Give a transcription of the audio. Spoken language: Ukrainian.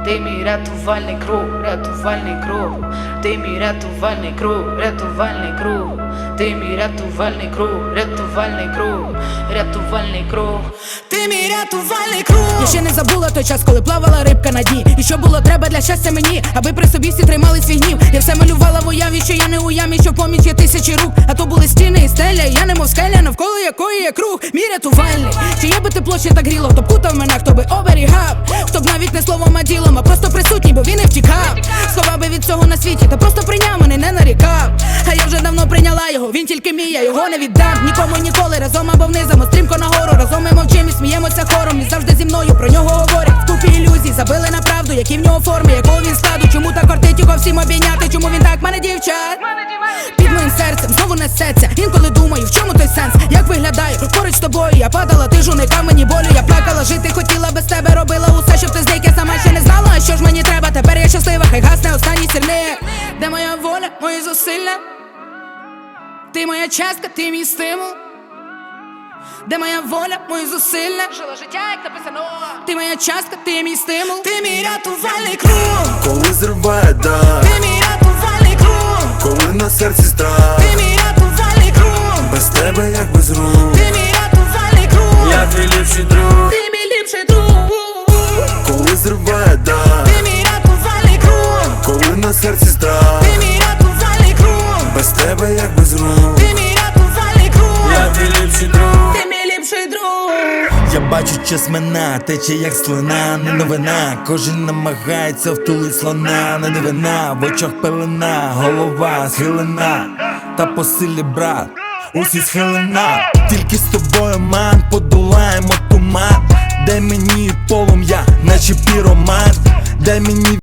Ти мій рятувальний круг, рятувальний круг. Ти мій рятувальний круг, рятувальний круг. Ти мій рятувальний круг, рятувальний круг, рятувальний круг. Ти мій рятувальний круг. Я ще не забула той час, коли плавала рибка на дні. І що було треба для щастя мені, аби при собі всі тримали свій гнів. Я все малювала в уяві, що я не у ямі, що поміч є тисячі рук. А то були стіни і стеля, і я немов скеля, навколо якої є круг. Мій рятувальний, чи є би тепло, ще так гріло. Хто б кутав мене, хто би оберігав, хто б навіть не словом, а ділом, а просто присутній, бо він не втікав. Сховав би від цього на світі, та просто прийняв мене, не нарікав. А я вже давно прийняла його, він тільки мій, я його не віддам. Нікому ніколи, разом або внизом, стрімко нагору. Разом ми мовчим і сміємося хором. І завжди зі мною про нього говорять. В купі ілюзій забили на правду, які в нього форми, якого він складу. Чому так кортить його всім обійняти, чому він так мене дівчат під моїм серцем знову несеться. Інколи думаю, в чому той сенс, як виглядаю поруч з тобою. Я падала, ти ж уникав мені болю. Я плакала, жити хотіла без тебе, робила усе, щоб ти зник. Я сама ще не знала, а що ж мені треба. Тепер я щаслива, хай гасне останній сірник. Де моя воля, мої зусилля? Ти моя частка, ти мій стимул. Де моя воля, мої зусилля? Жила життя, як написано. Ти моя частка, ти мій стимул. Ти мій рятувальний круг. Коли зриває дах, Ти мій рятувальний круг. коли на серці страх, Ти мій рятувальний круг. без тебе як без рук. Ти мій рятувальний круг. Я твій ліпший друг. Ти мій ліпший друг. Коли зриває дах, Ти мій рятувальний круг. коли на серці страх, Ти мій рятувальний круг. без тебе як без рук. Ти мій рятувальний круг. Я твій ліпший друг. Ти мій ліпший друг. Я бачу, час мина, тече як слина, не новина. Кожен намагається втулить слона, не дивина, в очах пелена, голова схилена, та по силі брат, усі схилена. Тільки з тобою, ман, подолаємо туман. Дай мені полум'я, наче піроман. Дай мені